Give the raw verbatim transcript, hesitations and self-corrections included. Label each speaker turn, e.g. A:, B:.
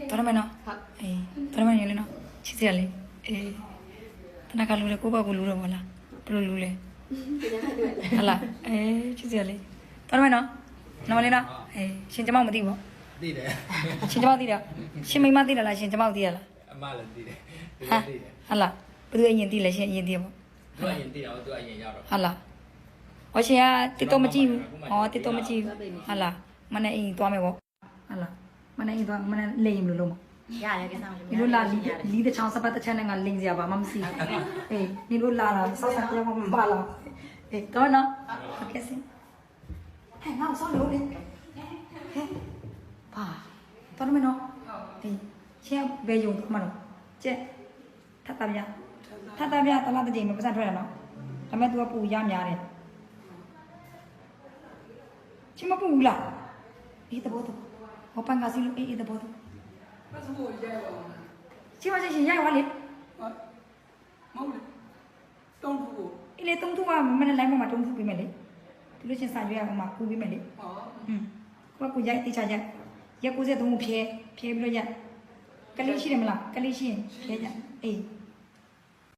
A: တော်မနော်အေးတော်မညလေနော်ချစ်စရာလေးအေးတနကလူလေကိုပေါ့ကိုလူတော့မလားဘယ်လိုလူလဲဟလာအေးချစ်စရာလေးတော်မနော်နော်လေးနော်အေးရှင်ကျမမသိဘူး
B: သိတယ်
A: ရှင်ကျမသိတယ်ရှင်မိမသိတယ်လားရှင်ကျမသိရလား
B: အမလည်းသိတယ်သူ
A: ဟာ
B: လည်းသိတယ်
A: ဟလာဘယ်သူအရင်သိလဲရှင်အရင်သိရပေါ့
B: သူအရင်သိတော့သူအရင်ရောက်တော့
A: ဟလာဟောရှင်ကတစ်တော့မကြည့်ဘူးဟောတစ်တော့မကြည့်ဘူးဟလာမနေ့အိမ်သွားမယ်ပေါ့ဟလာမနေ့အိမ်သွားမနေ့လိမ်မလို့လုံး
C: ရတယ်ကစားလို့
A: ဒီလိုလာလီလီတဲ့ချောင်းစပတ်တစ်ချက်နဲ့ငါလိမ်စရာပါမမစီအေးဒီလိုလာလာဆောက်ဆောက်ကြောင်းမပါလားအေးတော့နော်โอเคစင်ဟဲ့ငါ့ဆောက်လို့လေဟဲ့ပါတော်မနော်ဒီချင်းဘယ်ယုံတော့မနော်ကျက်ထပ်တာပြထပ်တာပြတလားတစ်ချိန်မပတ်စံထွက်ရနော်ဒါပေမဲ့ तू ကပူရများတယ်ချင်းမပူဘူးလားအေးတဘောတော့ဟောပန်ကစီလို့အေးအေးတဘောတော့
D: 那是我爷爷吧？
A: ချင်းမချင်းရှင်ရိုက်သွားလေ
D: 啊，冇嘞，当初过。
A: အေးလေသုံးထုကမနေ့လိုင်းပေါ်မှာတုံးထုပေးမယ်လေသူလို့ချင်းစာရွေးရအောင်မှာကူပေးမယ်လေ
D: 啊，
A: อืมကိုကကိုရိုက်တိချာရက်ရက်ကိုစက်သုံးကိုဖြဲဖြဲပြီးတော့ရက်ကလေးရှိတယ်မလားကလေးရှိရင်ဖြဲကြအေး